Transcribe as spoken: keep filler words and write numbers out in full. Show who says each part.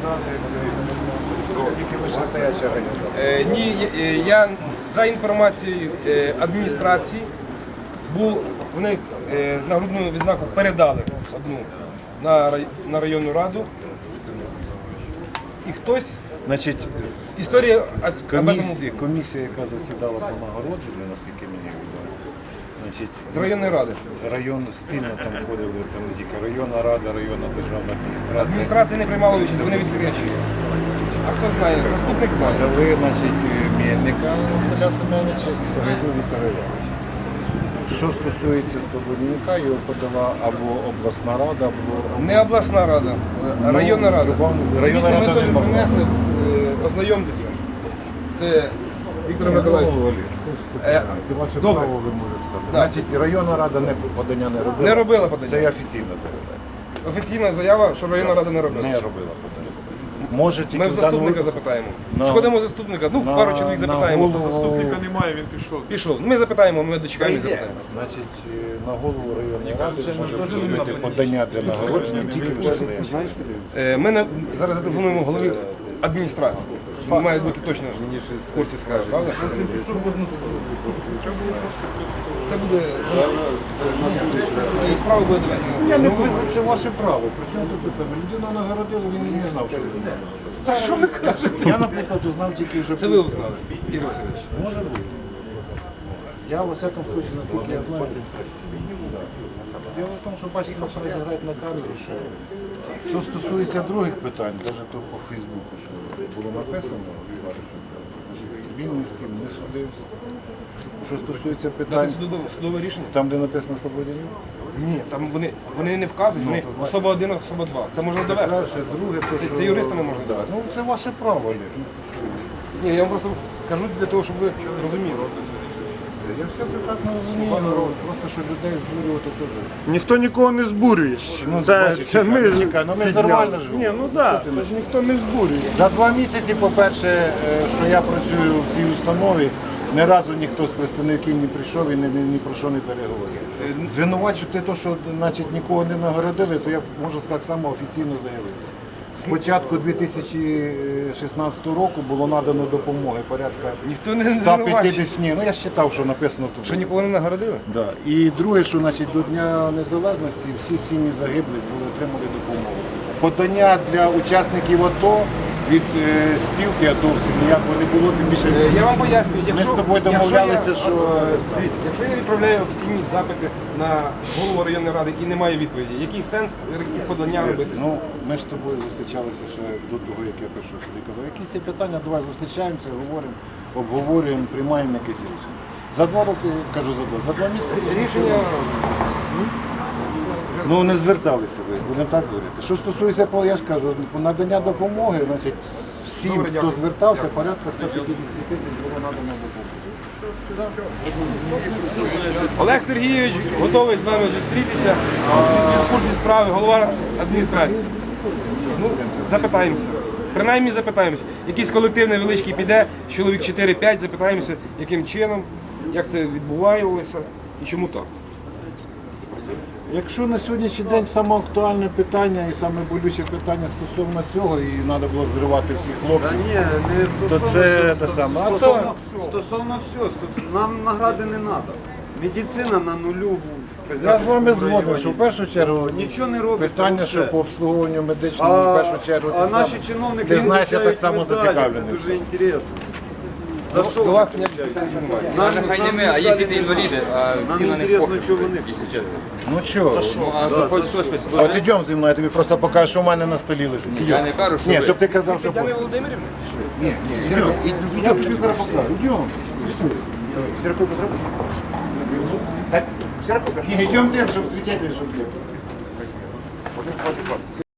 Speaker 1: Тільки вищестояча організація.
Speaker 2: Е, Ні, е, я за інформацією е, адміністрації був, вони е, нагрудну відзнаку передали одну на, рай- на районну раду. І хтось,
Speaker 1: Значить,
Speaker 2: історія об этом-
Speaker 1: комісія, комісія, яка засідала по нагородженню, наскільки мені відомо, значить,
Speaker 2: з районної ради.
Speaker 1: район спільно там входили, там не тільки районна рада, районна державна адміністрація.
Speaker 2: Адміністрація не приймала участь, вони відкрячуються. А хто знає? Заступник знає.
Speaker 1: Дали, значить, Мельника Василя Семеновича і Сагайду Віктора Івановича. Що стосується Слободянюка, його подала або обласна рада, або
Speaker 2: Не обласна рада, а районна рада.
Speaker 1: Ну, районна
Speaker 2: Дивіться,
Speaker 1: рада
Speaker 2: ми
Speaker 1: не
Speaker 2: теж
Speaker 1: могла.
Speaker 2: принесли, е, ознайомтеся. Це Віктор Миколаївич. Е, Добре. Да.
Speaker 1: Значить, районна рада не подання не робила.
Speaker 2: Не робила подання.
Speaker 1: Це я офіційно заявляю.
Speaker 2: Офіційна заява, що районна рада не робила.
Speaker 1: Не робила подання. Може тільки
Speaker 2: Ми в
Speaker 1: в даному
Speaker 2: заступника
Speaker 1: випадку-
Speaker 2: запитаємо.
Speaker 1: На-
Speaker 2: Сходимо в заступника, ну
Speaker 1: на-
Speaker 2: пару чоловік
Speaker 1: на
Speaker 2: запитаємо.
Speaker 1: голову-
Speaker 3: Заступника немає, він пішов.
Speaker 2: Пішов. Ми запитаємо, ми дочекаємо і запитаємо.
Speaker 1: Значить, на голову районної ради може зробити подання для нагородження тільки вищестояча.
Speaker 2: Е, Ми на- зараз зателефонуємо голові адміністрації. Він має бути точно в курсі скаже, правда? Це буде і справа буде доведена.
Speaker 1: Я не ви це ваше право. Причому тут те саме. Людина нагородила, він і не знав, що він знав.
Speaker 2: Та що ви кажете?
Speaker 1: Я, наприклад, узнав тільки вже.
Speaker 2: Це ви узнали, Ігор Васильович.
Speaker 1: Може бути. Я, во всякому случае, наскільки я знаю. Діло в тому, що бачите, нас розіграють на камері. Що стосується других питань, навіть то по Фейсбуку, що було написано, він ні з ким не судився. Що стосується
Speaker 2: Дати
Speaker 1: питань,
Speaker 2: судове, судове рішення?
Speaker 1: там, де написано Слободянюк,
Speaker 2: Ні, там вони, вони не вказують, вони особа один, особа два. Це можна довести.
Speaker 1: перше, друге, то,
Speaker 2: Це-
Speaker 1: що...
Speaker 2: це юристами можна довести.
Speaker 1: Ну, це ваше право, Олег.
Speaker 2: Ні, я вам просто кажу для того, щоб ви розуміли.
Speaker 1: Я все прекрасно розумію, просто що людей збурювати теж.
Speaker 3: Ніхто нікого не збурює.
Speaker 1: Ну,
Speaker 3: Це,
Speaker 1: бачиш,
Speaker 3: це ми
Speaker 1: чекай, чекай, ну ми ж
Speaker 3: підняли.
Speaker 1: нормально живемо.
Speaker 3: Ні, ну так, да, це ж ніхто не збурює.
Speaker 1: За два місяці, по-перше, е, що я працюю в цій установі, ні разу ніхто з представників не прийшов і ні, ні, ні про що не переговорив. Звинувачувати те, що значить, нікого не нагородили, то я можу так само офіційно заявити. З початку дві тисячі шістнадцятого року було надано допомоги порядка
Speaker 2: Ніхто не
Speaker 1: ста
Speaker 2: звинувачує.
Speaker 1: п'ятдесят, ні, ну я вважав, що написано тут.
Speaker 2: Що нікого не нагородили?
Speaker 1: Да. І друге, що значить, до Дня Незалежності всі сім'ї загиблих були отримали допомогу. Подання для учасників АТО від е, спілки АТОвців ніякого не було, тим більше
Speaker 2: Е, Я вам пояснюю, якщо,
Speaker 1: з тобою
Speaker 2: якщо
Speaker 1: домовлялися,
Speaker 2: я,
Speaker 1: що-
Speaker 2: е, дивіться, якщо я відправляю офіційні запити на голову районної ради і немає відповіді, який сенс якісь подання робити?
Speaker 1: ну, ми ж з тобою зустрічалися ще до того, як я прийшов сюди. Казав, якісь ці питання, давай зустрічаємося, говоримо, обговорюємо, приймаємо якесь рішення. За два роки, кажу за два, за два місяці
Speaker 2: Рішення
Speaker 1: ну не зверталися ви, будемо так говорити. Що стосується, я ж кажу, надання допомоги, значить, всім,
Speaker 2: Добре,
Speaker 1: хто
Speaker 2: дякую.
Speaker 1: звертався, порядка сто п'ятдесят тисяч було надано допомоги.
Speaker 2: Олег Сергійович готовий з нами зустрітися в курсі справи, голова адміністрації. Ну, запитаємося. Принаймні запитаємося. Якийсь колектив невеличкий піде, чоловік чотири-п'ять, запитаємося, яким чином, як це відбувалося і чому так.
Speaker 1: Якщо на сьогоднішній день саме актуальне питання і саме болюче питання стосовно цього, і треба було зривати всіх
Speaker 4: Та
Speaker 1: хлопців,
Speaker 4: ні, не стосовно,
Speaker 1: То це
Speaker 4: цього,
Speaker 1: те
Speaker 4: сто-
Speaker 1: саме. А
Speaker 4: стосовно,
Speaker 1: то-
Speaker 4: стосовно всього, сто- нам награди не треба. Медицина на нулю. в
Speaker 1: я з вами
Speaker 4: Козятинському
Speaker 1: згоден,
Speaker 4: районі.
Speaker 1: що в першу чергу
Speaker 4: Нічого не робиться.
Speaker 1: питання,
Speaker 4: вообще.
Speaker 1: що по обслуговуванню медичному, в
Speaker 4: А,
Speaker 1: першу чергу,
Speaker 4: а
Speaker 1: це
Speaker 4: наші
Speaker 1: саме.
Speaker 4: чиновники
Speaker 1: Ти знаєш, я так
Speaker 4: вручають
Speaker 1: само
Speaker 4: медалі,
Speaker 1: зацікавлений.
Speaker 4: Це дуже інтересно. За що
Speaker 2: До
Speaker 4: ви
Speaker 2: вас
Speaker 4: вручаєте?
Speaker 2: ніяких питань немає.
Speaker 4: Нам,
Speaker 5: Даже хай не
Speaker 4: нам
Speaker 5: ми, а є
Speaker 4: медалі
Speaker 5: діти
Speaker 4: не
Speaker 5: інваліди,
Speaker 4: надо.
Speaker 5: а
Speaker 4: Нам
Speaker 5: всі на них
Speaker 4: інтересно,
Speaker 5: похер,
Speaker 4: що вони.
Speaker 5: якщо чесно.
Speaker 1: Ну чого?
Speaker 5: Ну, а
Speaker 4: Да,
Speaker 5: хоч
Speaker 4: за
Speaker 5: хтось
Speaker 4: що?
Speaker 5: щось
Speaker 1: От ідемо зі мною, я тобі просто покажу, що в мене на столі лежить.
Speaker 5: Ні, я не кажу, що
Speaker 1: Ні,
Speaker 5: ви.
Speaker 1: щоб ти казав, що
Speaker 2: Тетяна Володимирівна?
Speaker 1: ні, ні, ідемо. Я тобі зараз покажу. Ідемо. Сірко Петро? Ні, йдемо тим, щоб свидетель, щоб